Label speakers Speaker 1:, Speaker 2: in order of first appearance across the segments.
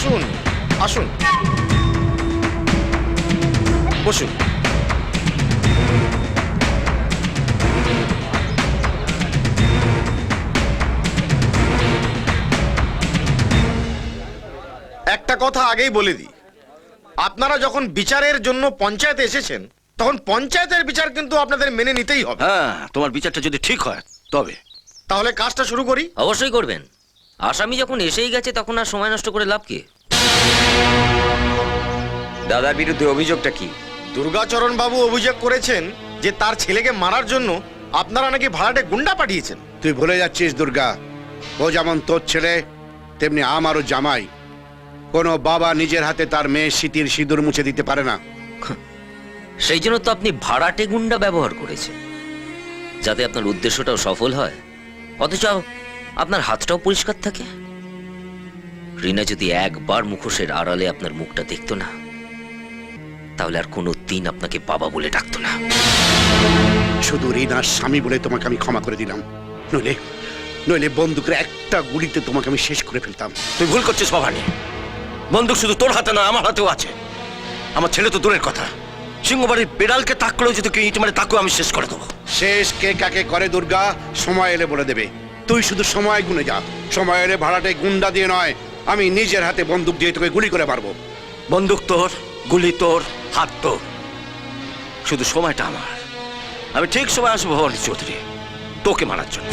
Speaker 1: আসুন আসুন, বসুন। একটা কথা আগেই বলে দিই, আপনারা যখন বিচারের জন্য পঞ্চায়েতে এসেছেন তখন পঞ্চায়েতের বিচার কিন্তু আপনাদের মেনে নিতেই হবে।
Speaker 2: হ্যাঁ, তোমার বিচারটা যদি ঠিক হয় তবে।
Speaker 1: তাহলে কাজটা শুরু করি।
Speaker 3: অবশ্যই করবেন। আসামি যখন এসেই গেছে তখন আর সময় নষ্ট করে লাভ কি?
Speaker 4: দাদার বিরুদ্ধে অভিযোগটা কি?
Speaker 1: দুর্গাচরণ বাবু অভিযোগ করেছেন যে তার ছেলেকে মারার জন্য আপনারা নাকি ভাড়াটে গুন্ডা পাঠিয়েছেন।
Speaker 5: তুই ভুলে যাচ্ছিস দুর্গা, ও যেমন তোর ছেলে তেমনি আমারও জামাই। কোনো বাবা নিজের হাতে তার মেয়ে স্মৃতির সিঁদুর মুছে দিতে পারে না।
Speaker 3: সেই জন্য তো আপনি ভাড়াটে গুন্ডা ব্যবহার করেছেন, যাতে আপনার উদ্দেশ্যটাও সফল হয়, অথচ আপনার হাতটাও পরিষ্কার থাকে। রিনা যদি একবার মুখোশের আড়ালে আপনার মুখটা দেখতো না, তাহলে আর কোনো দিন আপনাকে বাবা বলে ডাকতো না।
Speaker 5: শুধু রিনার স্বামী বলে তোমাকে আমি ক্ষমা করে দিলাম, নইলে নইলে বন্দুকের একটা গুলিতে তোমাকে আমি শেষ করে ফেলতাম।
Speaker 2: তুই ভুল করছিস ভবানী। বন্দুক শুধু তোর হাতে না, আমার হাতেও আছে। আমার ছেলে তো দূরের কথা, সিংহবাড়ির বিড়ালকে তাক করেও যদি কেউ ইট মারে তাকেও আমি শেষ করে দেবো।
Speaker 5: শেষ কে কাকে করে দুর্গা সময় এলে বলে দেবে। তুই শুধু সময় গুনে যা। সময় এলে ভাড়াটে গুন্ডা দিয়ে নয়, আমি নিজের হাতে বন্দুক দিয়ে তোকে গুলি করে মারবো।
Speaker 2: বন্দুক তোর, গুলি তোর, হাত তোর, শুধু সময়টা আমার। আমি ঠিক সময় আসবো ভবানী চৌধুরী, তোকে মারার জন্য।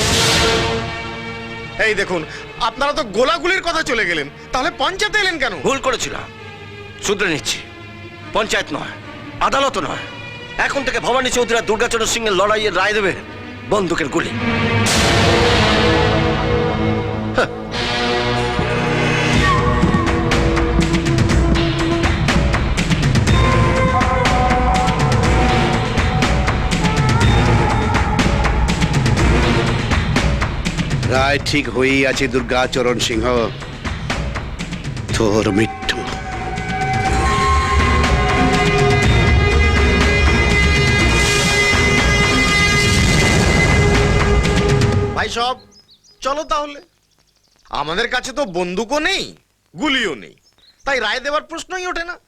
Speaker 1: এই দেখুন, আপনারা তো গোলাগুলির কথা চলে গেলেন, তাহলে পঞ্চায়েতে এলেন কেন?
Speaker 2: ভুল করেছিলাম, শুধরে নিচ্ছি। পঞ্চায়েত নয়, আদালত নয়, এখন থেকে ভবানী চৌধুরী আর দুর্গাচরণ সিং এর লড়াইয়ের রায় দেবে বন্দুকের গুলি।
Speaker 5: রায় ঠিক হয়েই আছে দুর্গাচরণ সিংহ, তোর মৃত্যু।
Speaker 1: ভাই সব চলো তাহলে। আমাদের কাছে তো বন্দুকও নেই, গুলিও নেই, তাই রায় দেওয়ার প্রশ্নই ওঠে না।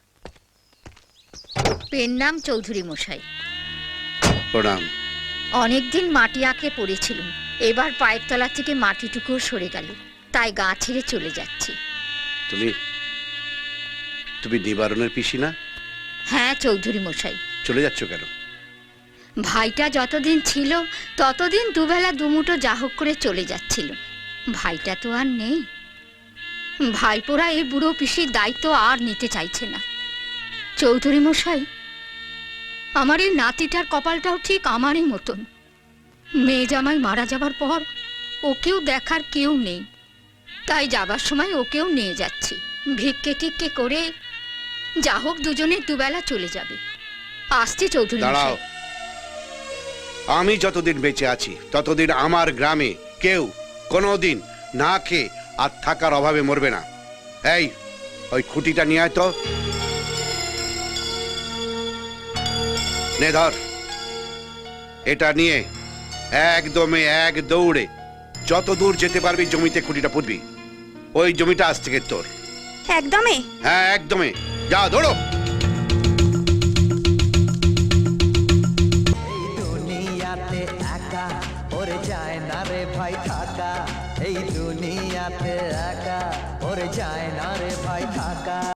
Speaker 6: পেন নাম চৌধুরী মশাই।
Speaker 5: প্রণাম।
Speaker 6: অনেকদিন মাটি আঁকড়ে পড়েছিলুম, এবার পায়ের তলা থেকে মাটিটুকুও সরে গেল, তাই গা ছেড়ে চলে যাচ্ছি।
Speaker 5: তুমি তুমি নিবারণের পিসি না?
Speaker 6: হ্যাঁ চৌধুরী মশাই।
Speaker 5: চলে যাচ্ছ কেন?
Speaker 6: ভাইটা যতদিন ছিল ততদিন দুবেলা দুমুঠো যা হোক করে চলে যাচ্ছিল। ভাইটা তো আর নেই। ভাইপোরা এই বুড়ো পিসির দায়িত্ব আর নিতে চাইছে না। চৌধুরী মশাই, আমার এই নাতিটার কপালটাও ঠিক আমারই মতন। মেয়ে জামাই মারা যাবার পর ওকেও দেখার কেউ নেই, তাই যাবার সময় ওকেও নিয়ে যাচ্ছি। ভিক্ষে টিক্ষে করে যা হোক দুজনে দুবেলা চলে যাবে। আসছি চৌধুরী
Speaker 5: দাঁড়াও,
Speaker 6: মশাই।
Speaker 5: আমি যতদিন বেঁচে আছি ততদিন আমার গ্রামে কেউ কোনোদিন না খেয়ে আর থাকার অভাবে মরবে না। এই, ওই খুঁটিটা নিয়ে আয় তো। নে ধর, এটা নিয়ে একদমে এক দৌড়ে যত দূর যেতে পারবি জমিতে খুঁটিটা পুঁতবি। ওই জমিটা আজ থেকে তোর।
Speaker 7: একদমই?
Speaker 5: হ্যাঁ একদমে, যা দৌড়ো।
Speaker 8: দুনিয়াতে একা ওরে যায় না রে ভাই থাকা, এই দুনিয়াতে একা ওরে যায় না রে ভাই থাকা।